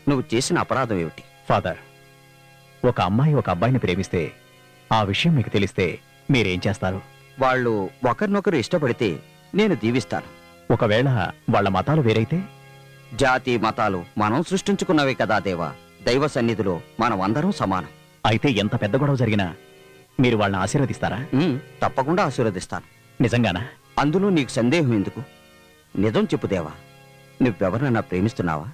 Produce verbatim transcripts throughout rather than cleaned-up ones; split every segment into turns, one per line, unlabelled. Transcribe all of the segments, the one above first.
నువ్వు చేసిన అపరాధం ఏమిటి?
ఫాదర్, ఒక అమ్మాయి ఒక అబ్బాయిని ప్రేమిస్తే ఆ విషయం మీకు తెలిస్తే మీరేం చేస్తారు?
వాళ్ళు ఒకరినొకరు ఇష్టపడితే నేను దీవిస్తాను.
ఒకవేళ వాళ్ళ మతాలు వేరైతే?
జాతి మతాలు మనం సృష్టించుకున్నవే కదా దేవా. దైవ సన్నిధిలో మనం అందరం సమానం.
అయితే ఎంత పెద్ద గొడవ జరిగినా మీరు వాళ్ళని ఆశీర్వదిస్తారా?
ఉమ్, తప్పకుండా ఆశీర్వదిస్తాను.
నిజంగానా?
అందులో నీకు సందేహం ఎందుకు? నిజం చెప్పు దేవా, నువ్వెవరినన్నా ప్రేమిస్తున్నావా?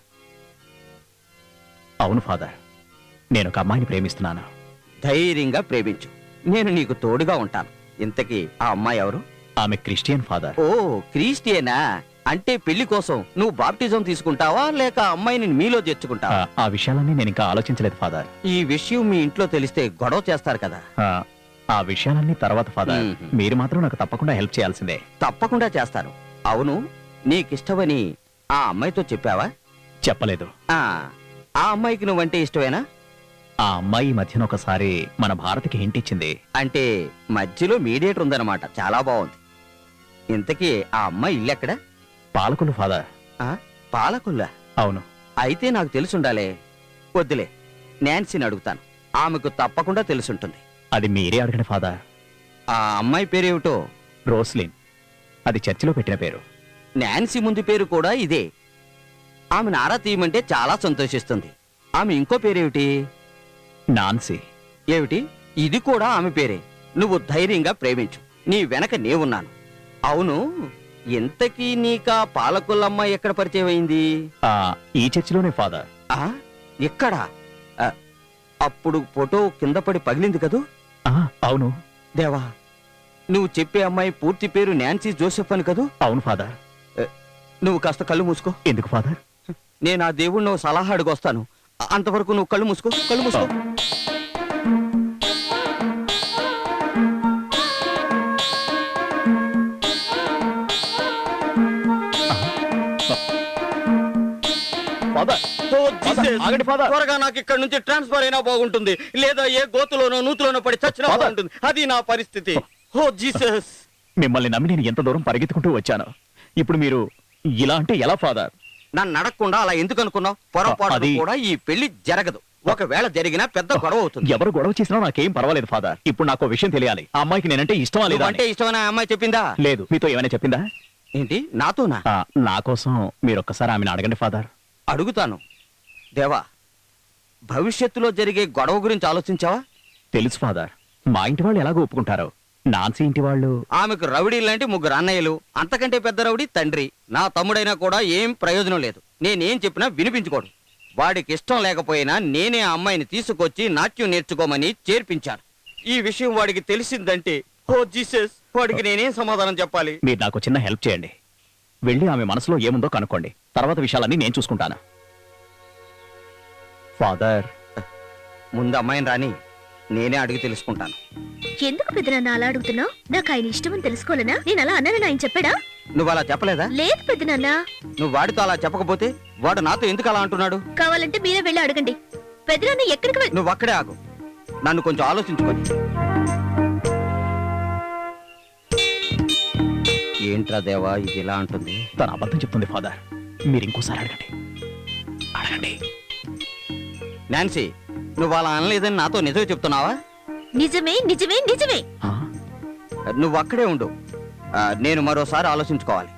అవును ఫాదర్, నేను ఒక అమ్మాయిని ప్రేమిస్తున్నాను.
ధైర్యంగా ప్రేమించు, నేను నీకు తోడుగా ఉంటాను. ఇంతకీ ఆ అమ్మాయి ఎవరు?
ఆమె క్రిస్టియన్ ఫాదర్.
ఓ, క్రిస్టియనా? అంటే పెళ్లి కోసం నువ్వు బాప్టిజం తీసుకుంటావా లేక అమ్మాయిని మీలో చేర్చుకుంటావా?
ఆ విషయాలన్నీ నేను ఇంకా ఆలోచించలేదు ఫాదర్.
ఈ విషయం మీ ఇంట్లో తెలిస్తే గొడవ చేస్తారు కదా.
ఆ విషయాలన్నీ తర్వాత ఫాదర్.
మ్మ్.
మీరు మాత్రం నాకు తప్పకుండా హెల్ప్ చేయాల్సిందే.
తప్పకుండా చేస్తాను. అవును, నీకిష్టమని ఆ అమ్మాయితో చెప్పావా?
చెప్పలేదు.
ఆ ఆ అమ్మాయికి నువ్వంటే ఇష్టమేనా?
ఆ అమ్మాయి ఈ మధ్యన ఒకసారి మన భారత్కి హింట్ ఇచ్చింది.
అంటే మధ్యలో మీడియేటర్ ఉందన్నమాట. చాలా బాగుంది. ఇంతకీ ఆ అమ్మాయి ఇల్లెక్కడ?
పాలకులు ఫాదర్.
ఆ, పాలకుల్లా?
అవును.
అయితే నాకు తెలుసుండాలే. వద్దులే, నాన్సీని అడుగుతాను. ఆమెకు తప్పకుండా తెలుసుంటుంది.
అది మీరే అడగండి ఫాదర్.
ఆ అమ్మాయి పేరేమిటో?
రోస్లిన్. అది చర్చిలో పెట్టిన పేరు.
నాన్సీ ముందు పేరు కూడా ఇదే. ఆమెను ఆరా తీయమంటే చాలా సంతోషిస్తుంది. ఆమె ఇంకో పేరేమిటి?
నాన్సీ.
ఏమిటి? ఇది కూడా ఆమె పేరే. నువ్వు ధైర్యంగా ప్రేమించు, నీ వెనక నేనున్నాను. అవును, ఇంతకీ నీకా పాలకుల్లమ్మాయి ఎక్కడ పరిచయం అయింది?
ఆ ఈ చర్చిలోనే ఫాదర్.
ఆ ఎక్కడ? ఆ, అప్పుడు ఫోటో కింద పడి పగిలింది కదూ?
ఆ, అవును.
దేవా, నువ్వు చెప్పే అమ్మాయి పూర్తి పేరు నాన్సీ జోసెఫ్ అని కదూ?
అవును ఫాదర్.
నువ్వు కాస్త కళ్ళు మూసుకో.
ఎందుకు ఫాదర్?
నేను ఆ దేవుణ్ణి సలహా అడుగొస్తాను. అంతవరకు నువ్వు కళ్ళు మూసుకో. కళ్ళు మూసుకో. త్వరగా నాకు ఇక్కడ నుంచి ట్రాన్స్ఫర్ అయినా బాగుంటుంది, లేదా ఏ గోతులోనో నూతులోనో పడి చచ్చినా బాగుంటుంది. అది నా పరిస్థితి. Oh Jesus!
మిమ్మల్ని నమ్మి నేను ఎంత దూరం పరిగెత్తుకుంటూ వచ్చాను. ఇప్పుడు మీరు ఇలా అంటే ఎలా ఫాదర్?
నన్ను అడగకుండా అలా ఎందుకు అనుకున్నావు? పొరపాటు కూడా ఈ పెళ్లి జరగదు. ఒకవేళ జరిగినా పెద్ద గొడవ అవుతుంది.
ఎవరు గొడవ చేసినా నాకేం పర్వాలేదు ఫాదర్. ఇప్పుడు నాకు విషయం తెలియాలి. ఆ అమ్మాయికి నేనంటే ఇష్టమా లేదా?
అంటే ఇష్టమైన అమ్మాయి చెప్పిందా?
లేదు. మీతో ఏమైనా చెప్పిందా?
ఏంటి? నాతోనా?
నా కోసం మీరు ఒక్కసారి ఆమెను అడగండి ఫాదర్.
అడుగుతాను. దేవా, భవిష్యత్తులో జరిగే గొడవ గురించి ఆలోచించావా?
తెలుసు ఫాదర్. మా ఇంటి వాళ్ళు ఎలాగో ఒప్పుకుంటారు. నాన్సీ ఇంటి వాళ్ళు?
ఆమెకు రౌడీ లాంటి ముగ్గురు అన్నయ్యలు, అంతకంటే పెద్ద రౌడీ తండ్రి. నా తమ్ముడైనా కూడా ఏం ప్రయోజనం లేదు. నేనేం చెప్పినా వినిపించుకోడు. వాడికి ఇష్టం లేకపోయినా నేనే ఆ అమ్మాయిని తీసుకొచ్చి నాట్యం నేర్చుకోమని చేర్పించాను. ఈ విషయం వాడికి తెలిసిందంటే, ఓ జీసస్, వాడికి నేనేం సమాధానం చెప్పాలి?
మీరు నాకు చిన్న హెల్ప్ చేయండి. వెళ్ళి ఆమె మనసులో ఏముందో కనుక్కోండి. తర్వాత విషయాలన్నీ నేను చూసుకుంటాను. ఫాదర్,
ముందు అమ్మాయిని రాని, నేనే అడిగి తెలుసుకుంటాను.
ఎందుకు పెద్దనాన్న అలా అడుగుతున్నావు? నాకు ఆయన ఇష్టమని తెలుసుకోలేనా? నేను అలా అన్నానని ఆయన చెప్పాడా?
నువ్వు అలా చెప్పలేదా?
లేదు పెద్దనాన్న.
నువ్వు వాడితో అలా చెప్పకపోతే వాడు నాతో ఎందుకు అలా అంటున్నాడు?
కావాలంటే మీరే వెళ్ళి అడగండి. పెద్దనాన్న ఎక్కడికి వెళ్ళి...
నువ్వు అక్కడే ఆగు, నన్ను కొంచెం ఆలోచించుకొని. ఏంట్రా దేవా ఇది ఇలా అంటుంది?
తన అబద్ధం చెప్తుంది ఫాదర్. మీరు ఇంకోసారి అడగండి. అడగండి.
నాన్సీ, నువ్వు అలా అనలేదని నాతో నిజమే చెప్తున్నావా?
నిజమే నిజమే నిజమే.
నువ్వు అక్కడే ఉండు, నేను మరోసారి ఆలోచించుకోవాలి.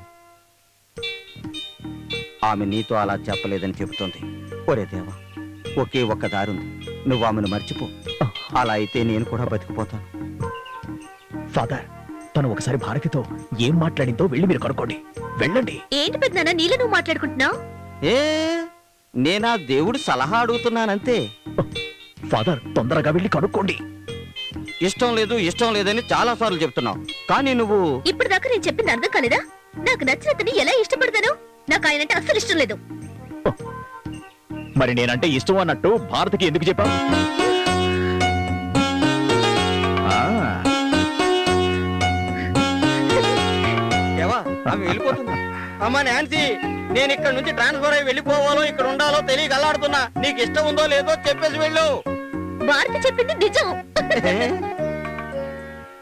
ఆమె నీతో అలా చెప్పలేదని చెబుతుంది. ఒరే దేవా, ఒకే ఒక్క దారుంది. నువ్వు ఆమెను మర్చిపో. అలా అయితే నేను కూడా బతికిపోతాను.
ఫాదర్, తను ఒకసారి భారతితో ఏం మాట్లాడిందో వెళ్ళి మీరు కనుక్కోండి. వెళ్ళండి.
ఏంటి పెద్దనాన్న నీలో నువ్వు మాట్లాడుకుంటున్నావు?
ఏ నేనా దేవుడు సలహా అడుగుతున్నానంతే.
ఫాదర్, తొందరగా వెళ్ళి కనుక్కోండి.
ఇష్టం లేదు ఇష్టం లేదని చాలా సార్లు చెప్తున్నావు, కానీ నువ్వు...
ఇప్పుడు దాకా నేను చెప్పింది అర్థం కాలేదా? నాకు నచ్చినతని ఎలా ఇష్టపడతాను? నాకు ఆయనంటే అస్సలు ఇష్టం లేదు.
మరి నేనంటే ఇష్టం అన్నట్టు భారతికి ఎందుకు చెప్పావు?
ఆమె వెళ్ళిపోతుంది. అమ్మా నాన్సీ, నేను ఇక్కడ నుంచి ట్రాన్స్ఫర్ అయ్యి వెళ్ళిపోవాలో ఇక్కడ ఉండాలో తెలియక అల్లాడుతున్నా. నీకు ఇష్టం ఉందో లేదో చెప్పేసి వెళ్ళు.
భారతి చెప్పింది నిజం.